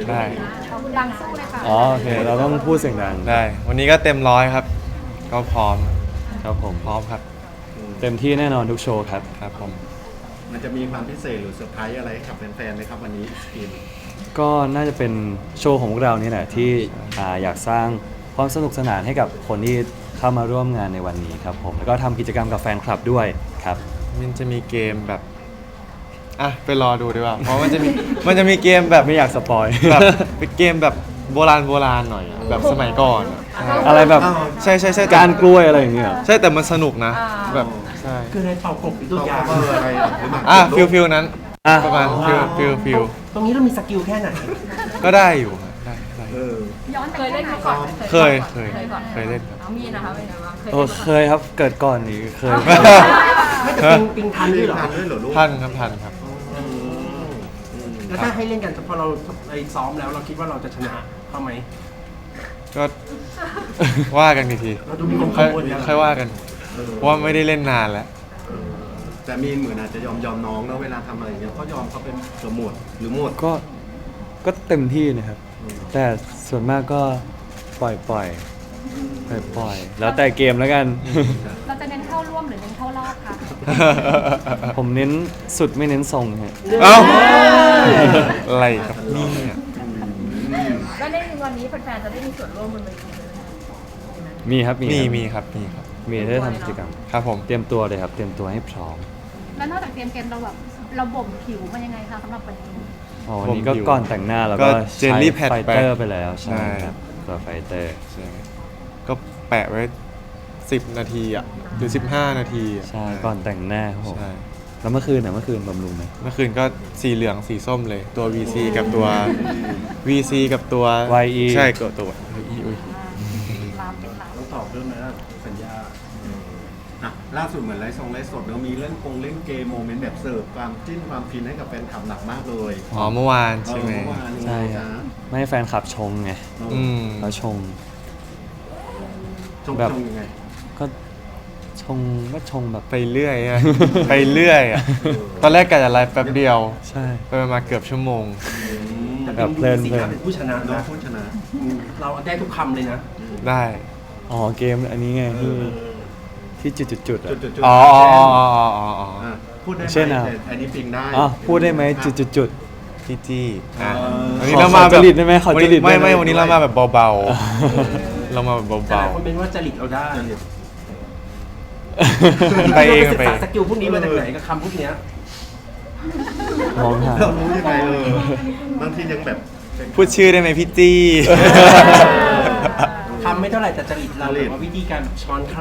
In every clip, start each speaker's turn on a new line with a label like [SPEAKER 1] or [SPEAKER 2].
[SPEAKER 1] ได้
[SPEAKER 2] ดังสู้เลยค่ะ
[SPEAKER 3] อ๋อโอเคเราต้องพูดเสียงดัง
[SPEAKER 1] ได้ วันนี้ก็เต็มร้อยครับ ก็พร้อม
[SPEAKER 3] ครับผม
[SPEAKER 1] พร้อมครับ
[SPEAKER 3] เต็มที่แน่นอนทุกโชว์ครับ
[SPEAKER 1] ครับผม
[SPEAKER 4] มันจะมีความพิเศษหรือเซอร์ไพรส์อะไรให้กับแฟนๆไหมครับวันนี้สกิน
[SPEAKER 3] ก็น่าจะเป็นโชว์ของพวกเรานี่แหละที่อยากสร้างความสนุกสนานให้กับคนที่เข้ามาร่วมงานในวันนี้ครับผมแล้วก็ทำกิจกรรมกับแฟนคลับด้วยครับ
[SPEAKER 1] มันจะมีเกมแบบอ่ะไปรอดูดีกว่าเพราะมันจะมีเกมแบบ
[SPEAKER 3] ไม่อยากสปอย
[SPEAKER 1] แบบเป็นเกมแบบโบราณหน่อยอะแบบสมัยก่อนอะ
[SPEAKER 3] อะไรแบบ
[SPEAKER 1] ใช่ใช่ใช่
[SPEAKER 3] การกล้วยอะไรอย่างเงี้ย
[SPEAKER 1] ใช่แต่มันสนุกนะ แบบใช่
[SPEAKER 5] คือในเป่ากบหรือตั
[SPEAKER 4] ตัว ว
[SPEAKER 5] อย่าง
[SPEAKER 4] เบอร์อะไรหรือหมาก
[SPEAKER 1] ฟิลนั้น
[SPEAKER 3] อ่ะ
[SPEAKER 1] ประมาณฟิล
[SPEAKER 5] ตรงนี้เรามีสกิลแค่ไหน
[SPEAKER 1] ก็ได้อยู่ครับได้
[SPEAKER 4] เออ
[SPEAKER 2] ย้อน
[SPEAKER 6] เคยเล่นมาก่อนไหม
[SPEAKER 1] เคย
[SPEAKER 6] ก่อน
[SPEAKER 1] เคยเล่นครับ
[SPEAKER 6] น้องมีนนะคะเป็นไงบ้างเคย
[SPEAKER 3] โอ้
[SPEAKER 6] เล่นมาก่อน
[SPEAKER 3] เคยครับเกิดก่อนนี่เคย
[SPEAKER 5] ไม่แต่ปิงทันด้วยเหรอ
[SPEAKER 4] ทันด้วยเหรอลูก
[SPEAKER 1] ทันครับ
[SPEAKER 5] แล้วถ้าให้เล่นกันพอเราไปซ้อมแล้วเราคิดว่าเราจะชนะเขาไหม
[SPEAKER 1] ก็ว่ากันอีกที
[SPEAKER 5] เราดูมีความ
[SPEAKER 1] ค่
[SPEAKER 5] กั
[SPEAKER 1] อย
[SPEAKER 5] งวลแล้ว
[SPEAKER 1] ค่อยว่ากัน เพราะว่าไม่ได้เล่นนานแล้ว
[SPEAKER 4] แต่มีนเหมือนอาจจะยอมน้องแล้วเวลาทำอะไรอย่างเงี้ยก็ยอมเขาเป็นเกือบหมดหรือหมด
[SPEAKER 3] ก็เต็มที่นะครับ แต่ส่วนมากก็ปล่อยแล้วแต่เกมแล้วกัน
[SPEAKER 2] เราจะเน้นเข้าร่วมหรือเน้นเข้ารอบคะ
[SPEAKER 3] ผมเน้นสุดไม่เน้นทรงฮะ
[SPEAKER 1] เอ้าอะไรครับนี่เนี่ย
[SPEAKER 6] แล้วในวันนี้แฟนๆจะได้มีส่วนร่วมบนเวทีด้วยไหม
[SPEAKER 3] มีครับ
[SPEAKER 1] มีครับ
[SPEAKER 3] มีได้ทำกิจกรรม
[SPEAKER 1] ครับผม
[SPEAKER 3] เตรียมตัวเลยครับ เตรียมตัวให้พร้อม
[SPEAKER 2] แล้วนอกจากเตรียมเกมเราแบบเราบ่มผิวมันยังไงคะสำหรับวันนี้
[SPEAKER 3] อ๋อวันนี้ก็ก่อนแต่งหน้าแล้วก็
[SPEAKER 1] เจลลี่แพด
[SPEAKER 3] ไฟ
[SPEAKER 1] ไป
[SPEAKER 3] เตอร์ไปแล้วใช่
[SPEAKER 1] ใช่
[SPEAKER 3] ครับตัวไฟเตอร์
[SPEAKER 1] ใช่ก็แปะไว้10 นาทีอ่ะหรือ15 นาทีอะ
[SPEAKER 3] ใช่ก่อนแต่งหน้าครับผม
[SPEAKER 1] ใช่
[SPEAKER 3] แล้วเมื่อคืนบำรุงไหม
[SPEAKER 1] เมื่อคืนก็สีเหลืองสีส้มเลย ตัว VC กับตัว VC กับตัว
[SPEAKER 3] YE
[SPEAKER 1] ใช่กับตัว YE อุ้ย
[SPEAKER 2] ลามเป็นลาม
[SPEAKER 4] ต้องตอบเรื่องนะสัญญาอ่ะล่าสุดเหมือนไลฟ์สดแล้วมีเล่นเล่นเกมโมเมนต์แบบเสิร์ฟความจิ้นความฟินให้กับแฟนคลับหนักมากเลย
[SPEAKER 1] อ๋อเมื่อวานใช่ไหม
[SPEAKER 4] เมื่อวานยังไง
[SPEAKER 3] ใช่ครั
[SPEAKER 4] จ๊ะ
[SPEAKER 3] บไม่ให้แฟนคลับชงไง
[SPEAKER 1] อืม
[SPEAKER 3] เขาชง
[SPEAKER 4] ชง
[SPEAKER 3] แบบ
[SPEAKER 4] ชงยังไง
[SPEAKER 3] ก็ชงแบบ
[SPEAKER 1] ไปเรื่อยอะ ไปเรื่อยอะตอนแรกกะจะไลฟ์แป๊บเดียว
[SPEAKER 3] ใช่
[SPEAKER 1] ไปมาเกือบชั่วโมง
[SPEAKER 5] แต่
[SPEAKER 3] แบบเพ
[SPEAKER 5] เป็
[SPEAKER 3] ลิ
[SPEAKER 5] น
[SPEAKER 3] น
[SPEAKER 5] สี
[SPEAKER 3] เพลิน
[SPEAKER 5] หน้าเป็นผู้ชนะ
[SPEAKER 4] น้อง
[SPEAKER 5] นะ
[SPEAKER 4] พูดชนะ
[SPEAKER 5] เราได้ทุกคำเลยนะ
[SPEAKER 1] ได้
[SPEAKER 3] อ๋อเกมอันนี้ไงที่จุดๆอ่ะ
[SPEAKER 4] จุด
[SPEAKER 1] อ๋อ
[SPEAKER 4] อ่ะพูดได้ไหม
[SPEAKER 3] เช่นอ่ะ
[SPEAKER 4] แต่อันนี้ปิงได้
[SPEAKER 3] อ๋อพูดได้ไหมจุด
[SPEAKER 1] พี่จี้อ่ะ
[SPEAKER 4] เออ
[SPEAKER 1] วันนี้เรามาแบบ
[SPEAKER 3] ขอจริตได้ไหมขอจริตได้ไหม
[SPEAKER 1] ไม่วันนี้เรามาแบบเบาๆ เรามาแบบ
[SPEAKER 5] แต่ห
[SPEAKER 1] เบา
[SPEAKER 5] ลายคนเป็นว่าจริตเราได้
[SPEAKER 1] ไปเอง
[SPEAKER 5] ราศึก
[SPEAKER 1] ไป
[SPEAKER 5] ษาสกิลพวกนี้มาจากไหนกับคำพวกเนี้ย
[SPEAKER 3] มองหา
[SPEAKER 4] เรารู้ยังไงบางทียังแบบ
[SPEAKER 1] พูดชื่อได้ไหมพี่จี้
[SPEAKER 5] คำไม่เท่าไหร่แต่จริตเราแบบว่าวิธีการช้อนค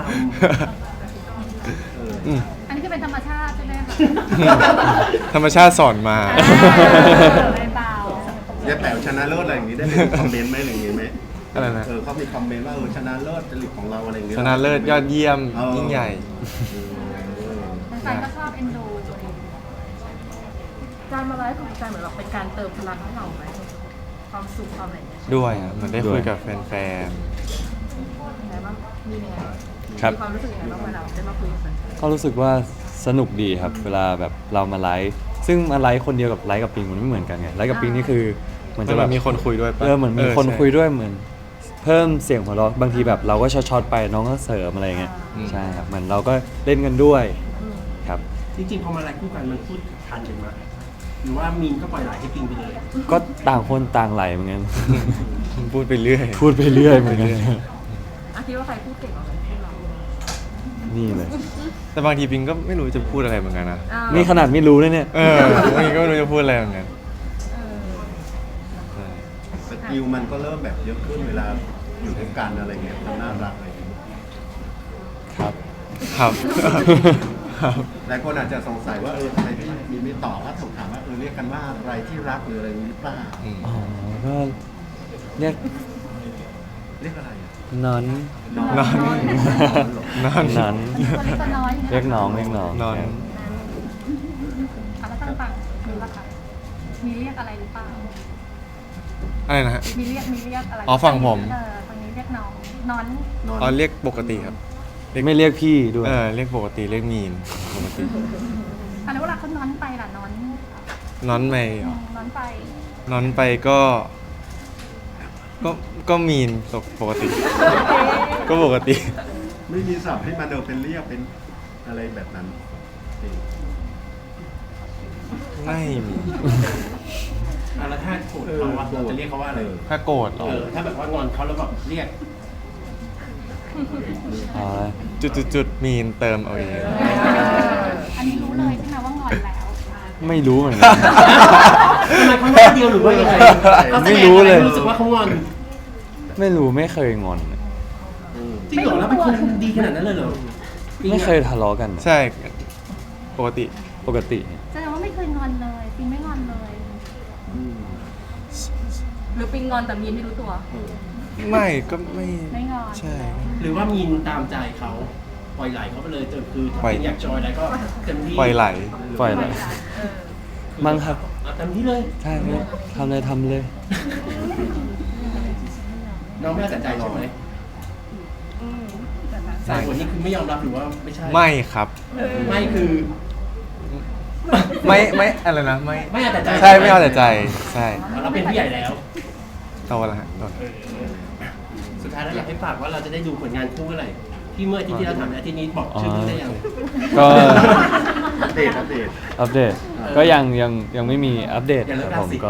[SPEAKER 2] อันนี้คือเป็นธรรมชาติใช่ไหมคะ
[SPEAKER 1] ธรรมชาติสอนมา
[SPEAKER 2] ไม่เบา
[SPEAKER 4] ยายแป๋วชนะเลิศอะไรอย่างนี้ได้เป็นคอมเมนต์ไหมอะไรอย่างนี้ไหม
[SPEAKER 1] อะไรนะ
[SPEAKER 4] เขามีคอมเมนต์ว่าชนะเลิศจริตของเราอะไรอย่างเงี้ย
[SPEAKER 1] ชนะเลิศยอดเยี่ยมยิ่งใหญ่
[SPEAKER 2] แฟนๆก็ชอบเอ็นดู
[SPEAKER 6] การมาไลฟ์ของแฟนเหมือนแบบเป็นการเติมพลังให้เราไหมความสุขความอะไรอย่างเงี้ย
[SPEAKER 1] ด้วยอ่ะเหมือนได้คุยกับแฟน
[SPEAKER 6] ยังไงบ้างมียังไงบ้าง
[SPEAKER 3] ครับ
[SPEAKER 6] มีความรู้สึกยังไงบ้างเวลาได้มาคุยกับแฟน
[SPEAKER 3] ก็รู้สึกว่าสนุกดีครับ เวลาแบบเรามาไลฟ์ซึ่งมาไลฟ์คนเดียวกับไลฟ์กับปิงมันไม่เหมือนกันไงไลฟ์กับปิงนี่คือเหมือน
[SPEAKER 1] ๆ
[SPEAKER 3] จะ
[SPEAKER 1] จะ
[SPEAKER 3] แบ
[SPEAKER 1] แบบ บมีคนคุยด้วยปะ
[SPEAKER 3] เหมือนมีคน
[SPEAKER 1] ใช่
[SPEAKER 3] คุยด้วยเหมือน เพิ่มเสียงหัวเราะบางทีแบบเราก็ช็อตๆไปน้องก็เสริมอะไรเงี้ย
[SPEAKER 1] อืม
[SPEAKER 3] ใช่ครับเหมือนเราก็เล่นกันด้วยครับ
[SPEAKER 5] ำจริงๆพอมาไลฟ์คู่กันมันพูดทันกันไหมหรือว่ามีนก็ปล่อยไหลให้ปิงไปเลย
[SPEAKER 3] ก็ต่างคนต่างไหลเหมือนกัน
[SPEAKER 1] พูดไปเรื่อย
[SPEAKER 3] พูดไปเรื่อยเหมือนกัน
[SPEAKER 6] อ่ะคิดว่าใครพูดเก่งกว่ากันพูดเรา
[SPEAKER 3] นี่เลย
[SPEAKER 1] แต่บางทีปิงก็ไม่รู้จะพูดอะไรเหมือนกันนะ
[SPEAKER 6] อ้าว
[SPEAKER 3] นี่ขนาดไม่รู้เลยเนี่ย
[SPEAKER 1] บางทีก็ไม่รู้จะพูดอะไรเหมือนกัน
[SPEAKER 6] เออ
[SPEAKER 4] สกิลมันก็เริ่มแบบเยอะขึ้นเวลาอยู่ด้วยกันอะไรเงี้ยความน่ารักอะไรเงี้ย
[SPEAKER 3] ครับ
[SPEAKER 1] ครับ
[SPEAKER 4] หลายคนอาจจะสงสัยว่าทำไมพี่มีไม่ตอบว่าถูกถามว่าเรียกกันว่าอะไรที่รักหรืออะไรอย่างนี้หรือเปล่า
[SPEAKER 3] อ๋อก็เรียก
[SPEAKER 4] เรียกอะไรอ่ะ
[SPEAKER 3] นอน
[SPEAKER 1] นอน นอน
[SPEAKER 3] นอน
[SPEAKER 2] ตัวเล็กตัวน้อย
[SPEAKER 3] เรียกน้องเรียกน้อง
[SPEAKER 1] นอน
[SPEAKER 3] ครับ
[SPEAKER 2] แล้วต่างๆมีปะคะมีเรียกอะไรหรือเปล่า
[SPEAKER 1] อะไรนะฮะ
[SPEAKER 2] มีเรียกอะไร
[SPEAKER 1] อ๋อฝั่งผม
[SPEAKER 2] ทางนี้เรียกน้องนอน
[SPEAKER 4] นอน
[SPEAKER 1] อ๋อเรียกปกติครับ
[SPEAKER 3] ไม่เรียกพี่ด้วย
[SPEAKER 1] เรียกปกติเรียกมีนปกติ
[SPEAKER 2] อันนี้เวลาเขานอนไปล่ะนอน
[SPEAKER 1] นอนไปเหรอน
[SPEAKER 2] อนไป
[SPEAKER 1] นอนไปก็
[SPEAKER 2] น
[SPEAKER 1] ก็มีนปกติ ก็ปกติ
[SPEAKER 4] ไม่มีศัพท์ให้มาเดินเป็นเรียกเป็นอะไรแบบนั้นจริง
[SPEAKER 1] ไม่มี
[SPEAKER 5] แล้วถ้าโกรธเขาอะเราจะเรียกเขาว่าอะไร
[SPEAKER 1] ถ้าโกรธเหรอ
[SPEAKER 5] ถ้าแบบว่างอนเขาแล้วแบบเรียก
[SPEAKER 3] อ๋อ
[SPEAKER 1] จุดมีนเติมเอาเอง
[SPEAKER 2] อันนี้รู้เลยใช่ไหมว่างอนแล้ว
[SPEAKER 3] ไม่รู้เหมือนกัน
[SPEAKER 5] ทำไมเขาหน้าเดียวหรือว่ายังไงเขาแสดง
[SPEAKER 3] ไม่รู้เลย
[SPEAKER 5] รู้สึกว่าเขางอน
[SPEAKER 3] ไม่รู้ไม่เคยงอน
[SPEAKER 5] จริงเหรอแล้วเป็นคนดีขนาดนั้นเลยเหรอ
[SPEAKER 3] ไม่เคยทะเลาะกัน
[SPEAKER 1] ใช่ปกติ
[SPEAKER 3] ปกติ
[SPEAKER 2] แสดงว่าไม่เคยงอนเลยปิงไม่งอนเลย
[SPEAKER 6] หรือปิงงอนแต่มีนไม่รู้ตัว
[SPEAKER 1] ไม่ก็ไม่
[SPEAKER 2] ไม่งอน
[SPEAKER 1] ใช่
[SPEAKER 5] หรือว่ามีนตามใจเขาปล่อยไหลเขาไปเลยแต่คือถ้า
[SPEAKER 1] ปล่อย
[SPEAKER 5] เป็นอยากจอยอะไรก็เต็มที่
[SPEAKER 1] ปล่อยไหล
[SPEAKER 3] ปล่อยเลย มั้งครับ
[SPEAKER 5] เอาเต็มที่เลย
[SPEAKER 3] ใช่ครับทำเลยทำเลย
[SPEAKER 5] น้องไม่เอาแต่ใจใช่ไหมสายคนนี้คือไม่ยอมรับหรือว่าไม่ใช่
[SPEAKER 1] ไม่ครับ
[SPEAKER 5] ไม่คือ
[SPEAKER 1] ไม่อะไรนะไม่
[SPEAKER 5] ไม่เอาแต่ใจ
[SPEAKER 1] ใช่ไม่เอาแต่ใจใช่
[SPEAKER 5] เราเป็นผู้ใหญ่แล้ว
[SPEAKER 1] โตแล้วฮะโตแล้ว
[SPEAKER 5] สุดท้ายแล้วอยากให้ฝากว่าเราจะได้ดูผลงานคู่เมื่อไหร่ที่เมื่ออาทิตย์ที่เราถามอาทิตย์นี้บอกชื่อเรื่องได้ยัง
[SPEAKER 3] ก็
[SPEAKER 4] อัปเดต
[SPEAKER 3] อัปเดต ก็ยังไม่มีอัปเดต
[SPEAKER 5] อย่าเลิ
[SPEAKER 3] ค
[SPEAKER 5] ก
[SPEAKER 3] รับผม
[SPEAKER 5] ราศี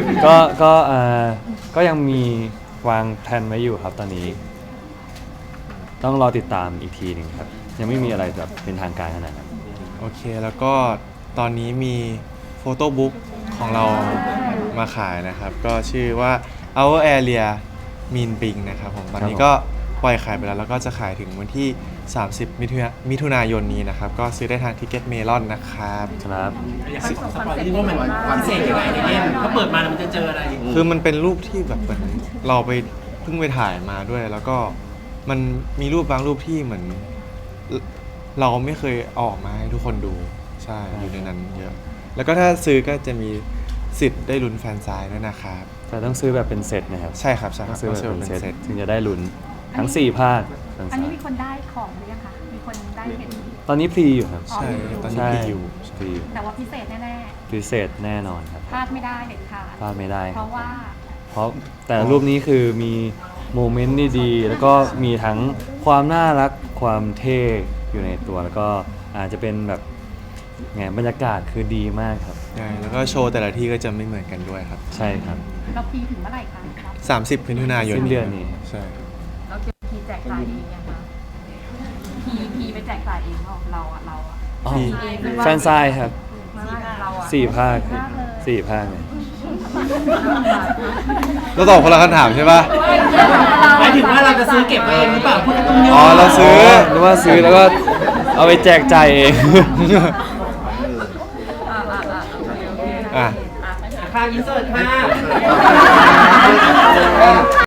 [SPEAKER 3] ก็ยังมีวางแผนไว้อยู่ครับตอนนี้ ต้องรอติดตามอีกทีหนึ่งครับ ยังไม่มีอะไรแบบเป็นทางการขนาดนั้น
[SPEAKER 1] โอเคแล้วก็ตอนนี้มีโฟโต้บุ๊กของเรามาขายนะครับ ก็ชื่อว่า Our Area Mean Bing นะครับผมตอนนี้ก็ปล่อยขายไปแล้วแล้วก็จะขายถึงวันที่ 30 มิถุนายนนี้นะครับ ก็ซื้อได้ทางทิกเก็ตเมลอนนะครับ
[SPEAKER 3] ครับ
[SPEAKER 5] อยากให้สปอยนิดนึงว่ามันพิเศษยังไงในเล่มถ้าเปิดมาแล้วมันจะเจออะไร
[SPEAKER 1] คือมันเป็นรูปที่แบบเหมือนเราไปเพิ่งไปถ่ายมาด้วย แล้วก็มันมีรูปบางรูปที่เหมือน เราไม่เคยเอาออกมาให้ทุกคนดูใช่อยู่ในนั้นเยอะ แล้วก็ถ้าซื้อก็จะมีสิทธิ์ได้ลุ้นแฟนซายด้วยนะครับ
[SPEAKER 3] แต่ต้องซื้อแบบเป็นเซตนะครับ
[SPEAKER 1] ใช่ครับใช่ค
[SPEAKER 3] ต้
[SPEAKER 1] รั
[SPEAKER 3] อบ งซื้อแบบเป็นเซต
[SPEAKER 1] เซต
[SPEAKER 3] ถึงจะได้ลุ้นทั้ง 4 ภาคทั้ง
[SPEAKER 2] อัน
[SPEAKER 3] สา
[SPEAKER 2] นี้
[SPEAKER 3] ม
[SPEAKER 2] มีคนได้ของหรือยังคะมีคนได้เห็น
[SPEAKER 3] ตอนนี้พรีอยู่ครับ
[SPEAKER 1] ใช่ตอนนี้
[SPEAKER 3] ใช่
[SPEAKER 1] พี่อยู่
[SPEAKER 3] พรีอยู่
[SPEAKER 2] แต่ว่าพิเศษแน่
[SPEAKER 3] พิเศษแน่นอนครับ
[SPEAKER 2] ๆพลาดไม่ได้เด็ดขาด
[SPEAKER 3] พลาดไม่ได้
[SPEAKER 2] เพราะว่า
[SPEAKER 3] เพราะแต่รูปนี้คือมีโมเมนต์ดีๆแล้วก็มีทั้งความน่ารักความเท่อยู่ในตัว แล้วก็อาจจะเป็นแบบไงบรรยากาศคือดีมากครับ
[SPEAKER 1] ใช่แล้วก็โชว์แต่ละที่ก็จะไม่เหมือนกันด้วยครับ
[SPEAKER 3] ใช่ครับ
[SPEAKER 2] เราพีถึงเมื่อไหร่คะครับ
[SPEAKER 1] 30 มิถุนายน
[SPEAKER 3] สิ้นเดือนนี้
[SPEAKER 1] ใช่
[SPEAKER 6] แล้วเก็บพีแจกจ่ายเองยังคะพีไปแจกจ่ายเองเราอะ
[SPEAKER 3] อ๋อ
[SPEAKER 1] พี่
[SPEAKER 3] แฟนซายครับ
[SPEAKER 6] เราอะ
[SPEAKER 3] 4 ภาค4 ภาคเลย
[SPEAKER 1] เราตอบคนละคำถามใช่ปะ
[SPEAKER 5] หมายถึงว่าเราจะซื้อเก็บไว้เองหรือเปล่าพูดตรงนี้
[SPEAKER 1] อ๋อเราซื้อ
[SPEAKER 3] หรือว่าซื้อแล้วก็เอาไปแจกจ่ายเอง
[SPEAKER 6] โอเค
[SPEAKER 1] อ่ะ
[SPEAKER 5] ค่าอินเสิร์ตค่ะ